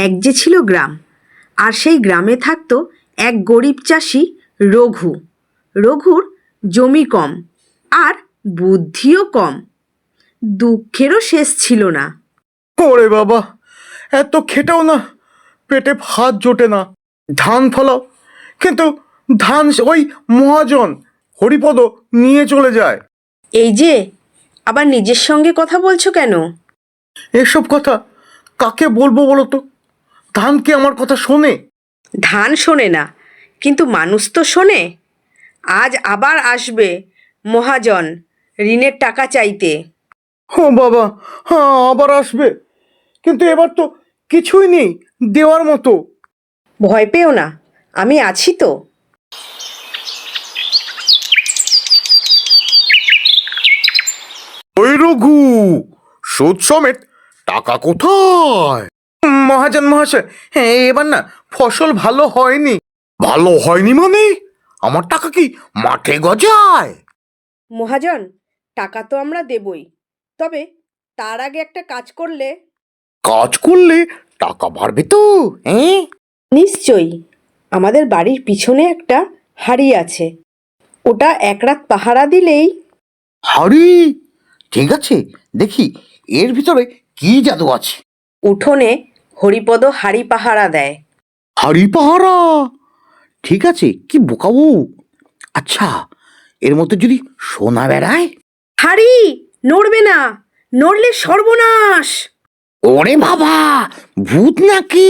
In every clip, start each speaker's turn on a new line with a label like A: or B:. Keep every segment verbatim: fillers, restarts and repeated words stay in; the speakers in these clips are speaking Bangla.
A: এক যে ছিল গ্রাম, আর সেই গ্রামে থাকতো এক গরিব চাষি রঘু। রঘুর জমি কম আর বুদ্ধিও কম, দুঃখেরও শেষ ছিল না।
B: ওরে বাবা, এত খেটেও না পেটে ভাত জোটে না। ধান ফলাও, কিন্তু ধান ওই মহাজন হরিপদ নিয়ে চলে যায়।
A: এই যে আবার নিজের সঙ্গে কথা বলছো কেন?
B: এসব কথা কাকে বলবো বলো তো? ধান কি আমার কথা শোনে?
A: ধান শোনে না, কিন্তু মানুষ তো শোনে। আজ আবার আসবে মহাজন ঋণের টাকা চাইতে।
B: ও বাবা, হ্যাঁ আবার আসবে, কিন্তু এবার তো কিছুই নেই দেওয়ার মতো।
A: ভয় পেও না, আমি আছি তো।
B: ওই রঘু, সুদ সমেত টাকা কোথায়? মহাজন মহাশয়, হ্যাঁ এবার না ফসল ভালো হয়নি। ভালো হয়নি মানে? আমার টাকা কি মাঠে গজায়?
A: মহাজন, টাকা তো আমরা দেবই, তবে তার আগে একটা কাজ করলে।
B: কাজ করলে টাকা বাড়বে তো? হ্যাঁ
A: নিশ্চয়ই। আমাদের বাড়ির পিছনে একটা হাড়ি আছে, ওটা এক রাত পাহারা দিলেই।
B: হাড়ি? ঠিক আছে, দেখি এর ভিতরে কি জাদু আছে।
A: উঠোনে হরিপদ হাড়ি পাহারা দেয়।
B: হাড়ি পাহারা? ঠিক আছে, কি বোকাবো। আচ্ছা, এর মধ্যে যদি সোনা বেড়ায়?
A: হাড়ি নড়বে না, নড়লে সর্বনাশ।
B: ওরে বাবা, ভূত নাকি?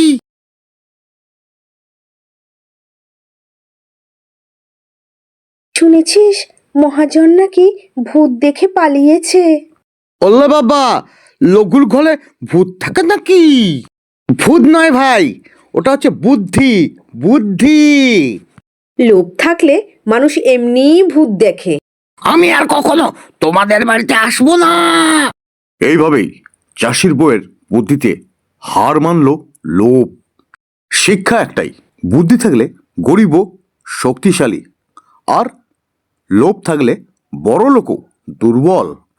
A: শুনেছিস মহাজন নাকি ভূত দেখে পালিয়েছে?
B: ওল্লা বাবা, লঘুর ঘরে ভূত থাকে নাকি? ভূত নয় ভাই, ওটা হচ্ছে বুদ্ধি, বুদ্ধি।
A: লোভ থাকলে মানুষ এমনিই ভূত দেখে।
B: আমি আর কখনো তোমাদের বাড়িতে আসবো না। এইভাবেই চাষির বউয়ের বুদ্ধিতে হার মানল লোভ। শিক্ষা একটাই, বুদ্ধি থাকলে গরিবও শক্তিশালী, আর লোভ থাকলে বড় লোকও দুর্বল।